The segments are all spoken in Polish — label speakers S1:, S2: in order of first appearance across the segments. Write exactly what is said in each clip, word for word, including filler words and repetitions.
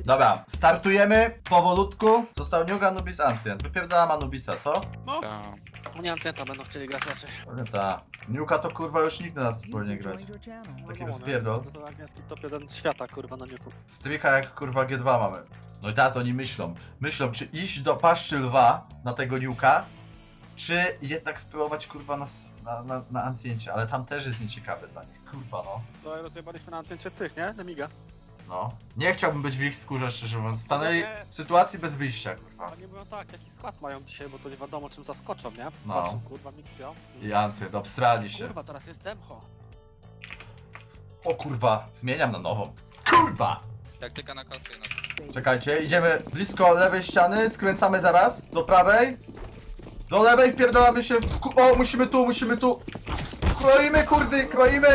S1: Dobra, startujemy powolutku. Został Nuke, Anubis, Ancient. Wypierdalam Anubisa, co?
S2: No,
S3: Tak.
S2: oni Ancenta będą chcieli grać raczej.
S1: Ale ta. Nuka to kurwa już nikt na nas nie powinien
S4: User
S1: grać.
S4: joined your channel.
S1: Taki
S2: No, no,
S1: rozpierdol.
S2: No to angielski top jeden świata, kurwa, na niuku.
S1: Strycha jak kurwa G dwa mamy. No i teraz oni myślą. Myślą, czy iść do paszczy lwa na tego Nuka, czy jednak spróbować kurwa na, s- na, na, na Anciencie. Ale tam też jest nieciekawe dla nich. Kurwa no.
S2: No i rozjebaliśmy na Ancencie tych, nie? Nemiga.
S1: No. Nie chciałbym być w ich skórze, szczerze mówiąc. Stanęli w sytuacji bez wyjścia, kurwa.
S2: Oni mówią tak, jaki skład mają dzisiaj, bo to nie wiadomo czym zaskoczą, nie?
S1: No.
S2: Patrzą, kurwa, mi kpią.
S1: I Ancient, obstrali się.
S2: Kurwa, teraz jest Demcho.
S1: O kurwa, zmieniam na nową. Kurwa!
S3: Taktyka na kasy na
S1: Czekajcie, idziemy blisko lewej ściany, skręcamy zaraz, do prawej. Do lewej wpierdolamy się w... ku- O, musimy tu, musimy tu. Kroimy, kurwy, kroimy.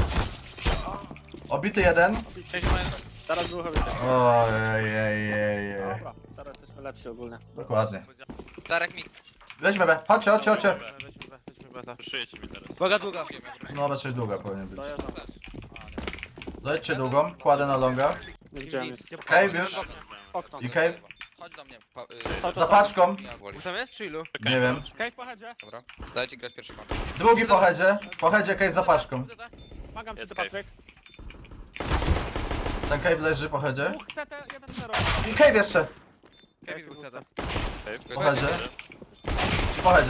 S1: Obity jeden.
S2: Teraz było chyba.
S1: Ojej,
S2: Dobra, teraz jesteśmy lepsi ogólnie.
S1: Dokładnie.
S3: Darek mi.
S1: Weźmy B, chodźcie, chodźcie, chodźcie.
S5: Szyjecie mi teraz.
S2: Uwaga, długa.
S1: No, raczej długa powinien być.
S2: Dojeżdżam.
S1: Dojedźcie długą, kładę na longa.
S2: Nie widziałem nic.
S1: Cave już?
S2: Okno.
S1: I cave?
S3: Chodź do mnie. Pa,
S2: Cały
S1: Za
S2: czas
S1: paczką?
S3: ja wolisz.
S2: Tam jest czy ilu?
S1: Nie wiem.
S2: Cave po headzie.
S3: Dobra. Dajcie grać pierwszy pan.
S1: Drugi po headzie, po headzie cave za paczką.
S2: Pomagam ci,
S5: Jest
S2: Patryk.
S1: Ten cave leży po headzie.
S2: Dwóch C T, jeden zero.
S1: I cave jeszcze.
S2: Cave dwóch C T.
S1: Po headzie. Po headzie.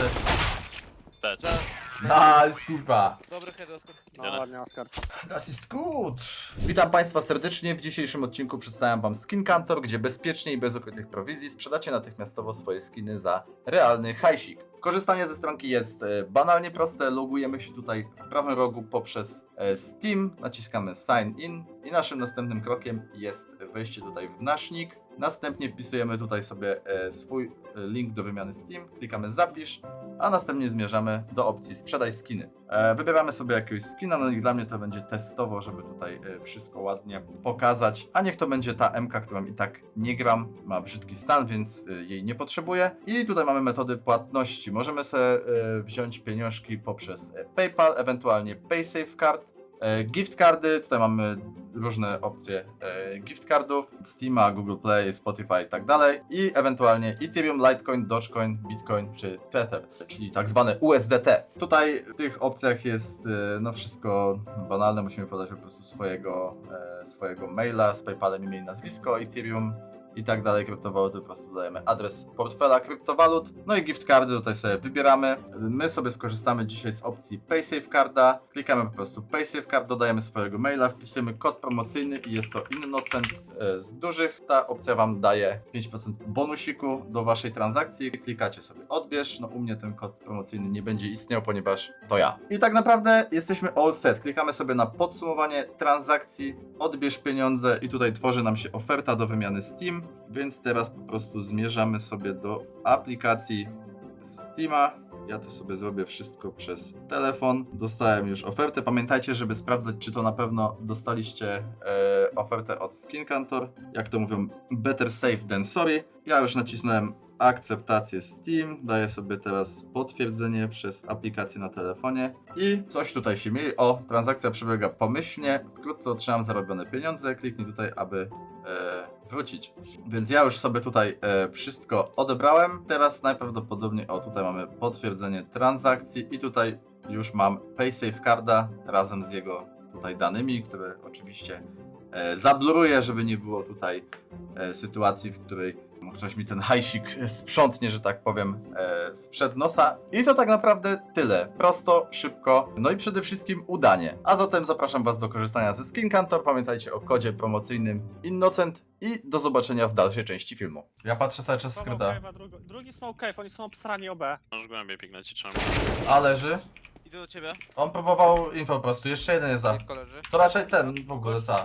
S5: Dać.
S1: Nice, kurwa.
S2: Dobry head, Oskar. No ładnie, Oskar.
S1: Das ist gut. Witam Państwa serdecznie. W dzisiejszym odcinku przedstawiam Wam Skin Kantor, gdzie bezpiecznie i bez ukrytych prowizji sprzedacie natychmiastowo swoje skiny za realny hajsik. Korzystanie ze stronki jest e, banalnie proste. Logujemy się tutaj w prawym rogu poprzez e, Steam, naciskamy Sign In i naszym następnym krokiem jest wejście tutaj w nasz nick. Następnie wpisujemy tutaj sobie e, swój e, link do wymiany Steam, klikamy zapisz, a następnie zmierzamy do opcji sprzedaj skiny. E, wybieramy sobie jakiegoś skina, no i dla mnie to będzie testowo, żeby tutaj e, wszystko ładnie pokazać, a niech to będzie ta M K, którą i tak nie gram, ma brzydki stan, więc e, jej nie potrzebuję. I tutaj mamy metody płatności. Możemy sobie e, wziąć pieniążki poprzez e, PayPal, ewentualnie PaySafeCard. E, gift cardy, tutaj mamy różne opcje e, gift cardów, Steama, Google Play, Spotify i tak dalej. I ewentualnie Ethereum, Litecoin, Dogecoin, Bitcoin czy Tether, czyli tak zwane U S D T. Tutaj w tych opcjach jest e, no wszystko banalne, musimy podać po prostu swojego, e, swojego maila z PayPalem, imię i nazwisko, Ethereum i tak dalej, kryptowaluty, po prostu dodajemy adres portfela kryptowalut, no i gift cardy tutaj sobie wybieramy. My sobie skorzystamy dzisiaj z opcji PaySafeCarda, klikamy po prostu PaySafeCard, dodajemy swojego maila, wpisujemy kod promocyjny i jest to Innocent e, z dużych. Ta opcja Wam daje pięć procent bonusiku do Waszej transakcji. Klikacie sobie odbierz, no u mnie ten kod promocyjny nie będzie istniał, ponieważ to ja. I tak naprawdę jesteśmy all set. Klikamy sobie na podsumowanie transakcji, odbierz pieniądze i tutaj tworzy nam się oferta do wymiany Steam. Więc teraz po prostu zmierzamy sobie do aplikacji Steama. Ja to sobie zrobię wszystko przez telefon. Dostałem już ofertę. Pamiętajcie, żeby sprawdzać, czy to na pewno dostaliście e, ofertę od Skin Kantor. Jak to mówią, better safe than sorry. Ja już nacisnąłem akceptację Steam. Daję sobie teraz potwierdzenie przez aplikację na telefonie. I coś tutaj się mieli. O, transakcja przebiega pomyślnie. Wkrótce otrzymam zarobione pieniądze. Kliknij tutaj, aby e, wrócić. Więc ja już sobie tutaj e, wszystko odebrałem. Teraz najprawdopodobniej, o tutaj mamy potwierdzenie transakcji i tutaj już mam PaySafeCarda razem z jego tutaj danymi, które oczywiście e, zabluruję, żeby nie było tutaj e, sytuacji, w której ktoś mi ten hajsik sprzątnie, że tak powiem, e, sprzed nosa. I to tak naprawdę tyle. Prosto, szybko, no i przede wszystkim udanie. A zatem zapraszam Was do korzystania ze Skin Kantor. Pamiętajcie o kodzie promocyjnym Innocent i do zobaczenia w dalszej części filmu. Ja patrzę cały czas skryta.
S2: Drugi smoke cave, oni są obsrani O B.
S5: Możesz głębiej pignąć i trzeba.
S1: A leży.
S2: Idę do ciebie.
S1: On próbował info po prostu. Jeszcze jeden jest za.
S3: Blisko leży.
S1: To raczej ten w ogóle za.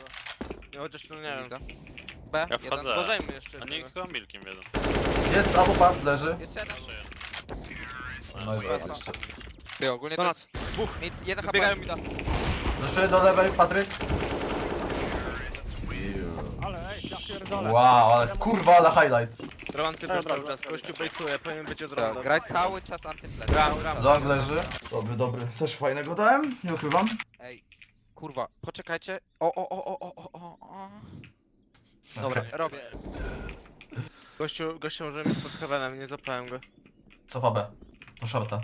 S2: Ja chociaż tu nie wiem.
S3: B.
S5: Ja
S3: jeden.
S5: wchodzę.
S2: Uważajmy jeszcze.
S5: A niech to milkiem wiedzą.
S1: Jest abupa, leży.
S3: Jeszcze jeden.
S1: No i oczywiście.
S3: Ty ogólnie to
S2: Ponad.
S3: jest... Dwóch. Mid, jeden H P.
S2: Biegają mi da.
S1: Zeszły do lewej, Patryk.
S2: Ale ej, ja pierdolę.
S1: Wow, ale kurwa, ale highlight.
S2: Roman ty też cały czas, gościu bejtuje, powinien być od
S3: Tak,
S2: razu.
S3: graj cały czas antyflash.
S2: Gram,
S3: Cały
S2: gram.
S3: czas.
S1: Long leży. Dobry, dobry. Też fajnego dałem, nie ukrywam.
S3: Ej, kurwa, poczekajcie. O, o, o, o, o, o, o, o. Dobra,
S1: Okej.
S3: robię.
S4: Gościu, gościu może mieć pod heavenem, nie zapałem go.
S1: Cofa B. Do shorta.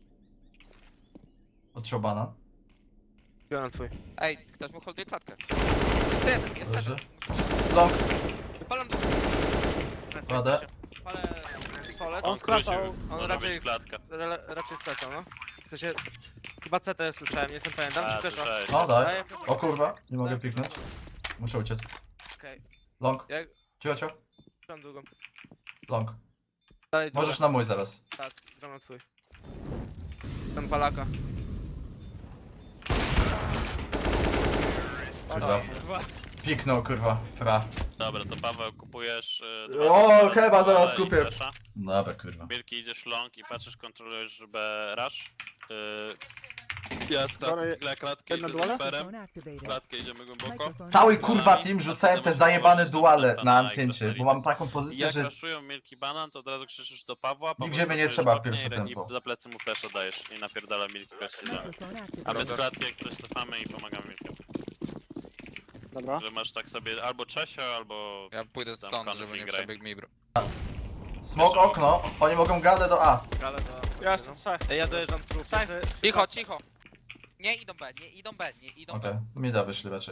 S1: Odciął banan.
S4: Biorę na twój.
S3: Ej, ktoś mu holduje klatkę. Jest jeden, jest
S1: Leży.
S3: jeden.
S1: Long.
S4: Wypalam do...
S1: Radę.
S4: Palę... Stolec.
S2: On
S4: On,
S2: skracał.
S4: on
S5: Może
S4: raczej...
S5: być klatka.
S4: ra- raczej stracał, no. W sensie... Chyba C T słyszałem, nie jestem pewien. Dam
S5: A,
S4: ci też.
S5: słyszałeś.
S1: No daj.
S4: Daję flasha.
S1: O kurwa, nie mogę piknąć. Muszę uciec.
S4: Okej.
S1: Long.
S4: Jak...
S1: Cicho, cicho.
S4: Gram długą.
S1: Long.
S4: Dalej długo.
S1: Możesz na mój zaraz.
S4: Tak, gram na twój. Ten palaka.
S1: Kurwa. Piknął, kurwa. Fra.
S5: Dobra, to Paweł kupujesz... y,
S1: O,
S5: dwa-
S1: chyba zaraz
S5: dwa i
S1: kupię.
S5: flasha.
S1: Dobra, kurwa.
S5: Wielki idziesz long i patrzysz, kontrolujesz B rush. Yy, ja z
S2: Sorry,
S5: klatki, klatkę
S2: jedno
S5: idę
S2: duale?
S5: z Ferem.
S6: Microphone activated.
S5: Klatkę idziemy głęboko.
S1: Cały kurwa team rzucałem te zajebane duale na ancjencie, bo mam taką
S5: I
S1: pozycję,
S5: jak
S1: że...
S5: raszują Milki Banan, to od razu krzyczysz do Pawła. Paweł
S1: Nigdzie mnie nie
S5: kontrolujesz
S1: trzeba w
S5: oknie
S1: pierwsze
S5: i-
S1: tempo.
S5: I za plecy mu flasha dajesz i napierdala Milki gości.
S6: Microphone
S5: A
S6: activated.
S5: my z klatki jak coś cofamy i pomagamy Milkiem.
S2: Dobra.
S5: Że masz tak sobie albo Czesio, albo...
S3: Ja pójdę
S5: Tam
S3: stąd,
S5: konfig
S3: żeby nie
S5: graj.
S3: przebiegł mi bro.
S1: Smok okno, oni mogą gadę do A.
S4: Ale to...
S2: Ja jeszcze trzech.
S4: Ej, ja dojeżdżam trup. Tak.
S3: Cicho, cicho. Nie idą B, nie idą B, nie idą
S1: Okej,
S3: B.
S1: mi da wyszli raczej.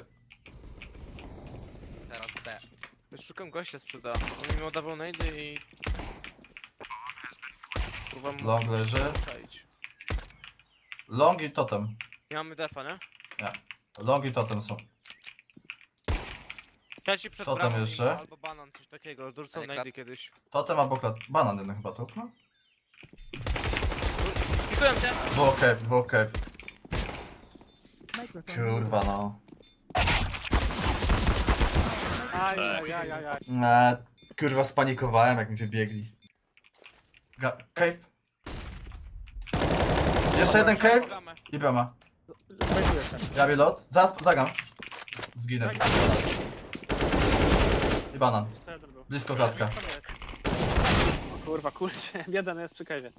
S3: Teraz B.
S4: Już szukam gościa sprzeda. On mi oddawał nade i... Kurwa mu...
S1: Long leży.
S4: Czaić.
S1: Long i totem.
S4: Nie mamy defa, nie?
S1: Long i totem są.
S4: Ja ci przed
S1: To tam
S4: bramą
S1: jeszcze?
S4: im albo banan, coś takiego. Dorzucał
S3: Ale
S4: nade
S3: klat-
S4: kiedyś.
S1: Totem albo klat... Banan jeden chyba tu, no?
S4: Pikuję cię!
S1: Było cave, było cave.
S6: Microphone
S1: Kurwa no.
S2: Aj, aj, aj, aj, aj.
S1: Eee, kurwa spanikowałem jak mi wybiegli. Ga cave. Jeszcze jeden cave
S4: Programę.
S1: i brama.
S2: Zbejtuję się.
S1: Ja lot. Zaraz zagam. Zginę. I banan.
S2: Jeszcze jeden był.
S1: Blisko klatka.
S2: O kurwa, kurczę. Jeden jest przy kajwie.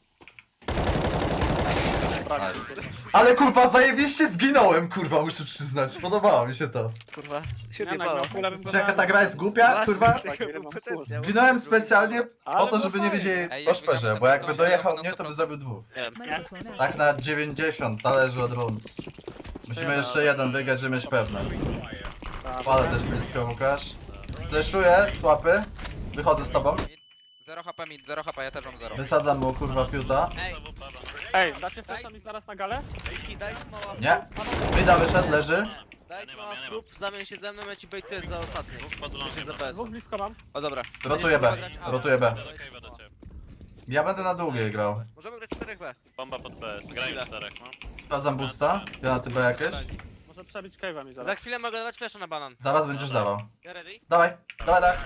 S2: Prawie.
S1: Nice. Ale kurwa zajebiście zginąłem, kurwa muszę przyznać. Podobało mi się to.
S4: Kurwa.
S2: Nie, no, jak miał kulę, bym go
S1: Czy jaka
S2: dał.
S1: ta gra jest głupia, kurwa?
S2: Tak, ile mam plus.
S1: Zginąłem specjalnie po
S2: Ale
S1: to,
S2: no
S1: żeby nie
S2: fajnie.
S1: wiedzieli
S3: Ej,
S1: o
S3: jakby
S1: szperze,
S3: tam
S1: bo jakby
S3: ten
S1: dojechał
S3: na
S1: mnie, to
S3: sto
S1: by
S3: procent.
S1: zabił dwóch.
S6: Microphone
S1: Tak
S6: activated.
S1: na dziewięćdziesiąt, zależy od rund. Musimy jeszcze jeden wygrać, żeby mieć pewne. Palę też blisko, Łukasz. Fleszuję, słapy. Wychodzę z tobą.
S3: zero H P mid, zero H P, ja też mam zero.
S1: Wysadzam mu kurwa fiuta.
S4: Ej,
S2: Ej, dacie flesza mi zaraz na galę?
S4: Miki, daj mała
S1: Nie. Mida wyszedł, leży.
S4: Daj
S5: Ja nie
S4: mała
S5: mam, ja nie
S4: trup, zamień się ze mną, ja ci bejtuję za ostatni.
S5: Dwóch pod
S4: Się za
S5: longiem.
S4: B.
S2: Dwóch blisko mam.
S4: O dobra.
S1: Rotuję B.
S4: Będziesz kurwa grać A.
S1: Rotuję B.
S5: Ja do cave'a do ciebie.
S1: Ja będę na długiej grał.
S4: Możemy grać cztery B.
S5: Bomba pod P S. Grajmy czterech, no.
S1: Sprawdzam boosta. Granaty B jakieś.
S2: Może przebić cave'a mi
S4: Za
S2: zaraz.
S4: chwilę mogę dawać flasha na banan.
S1: Zaraz będziesz dawał.
S4: Ja ready?
S1: Dawaj, dawaj, dawaj.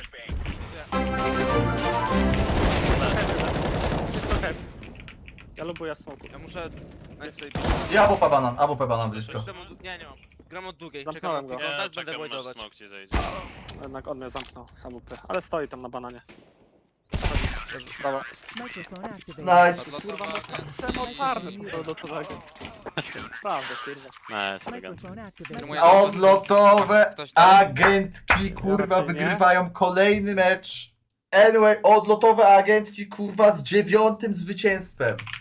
S2: Blisko cave. Ja lubuję w smoku.
S4: Ja muszę... Nice sobie
S1: I A W P banan, A W P banan blisko.
S4: Nie, nie mam. Gram od długiej, czekam
S2: Zamknąłem
S4: na
S2: go.
S4: tylko
S5: Ja
S4: tak będę
S5: czekam, aż
S4: wojdować.
S5: smoke ci zejdzie.
S2: Jednak on mnie zamknął, sam upy. Ale stoi tam na bananie. Dobra.
S6: Microphone activated.
S1: Nice.
S3: Kurwa,
S2: Przemocarny są do tego. Prawda, kurwa.
S5: Nice, elegancko.
S6: Microphone activated.
S3: Firmuję-
S1: Odlotowe
S3: Ktoś tam?
S1: agentki kurwa
S2: raczej nie.
S1: wygrywają kolejny mecz. Anyway, odlotowe agentki kurwa z dziewiątym zwycięstwem.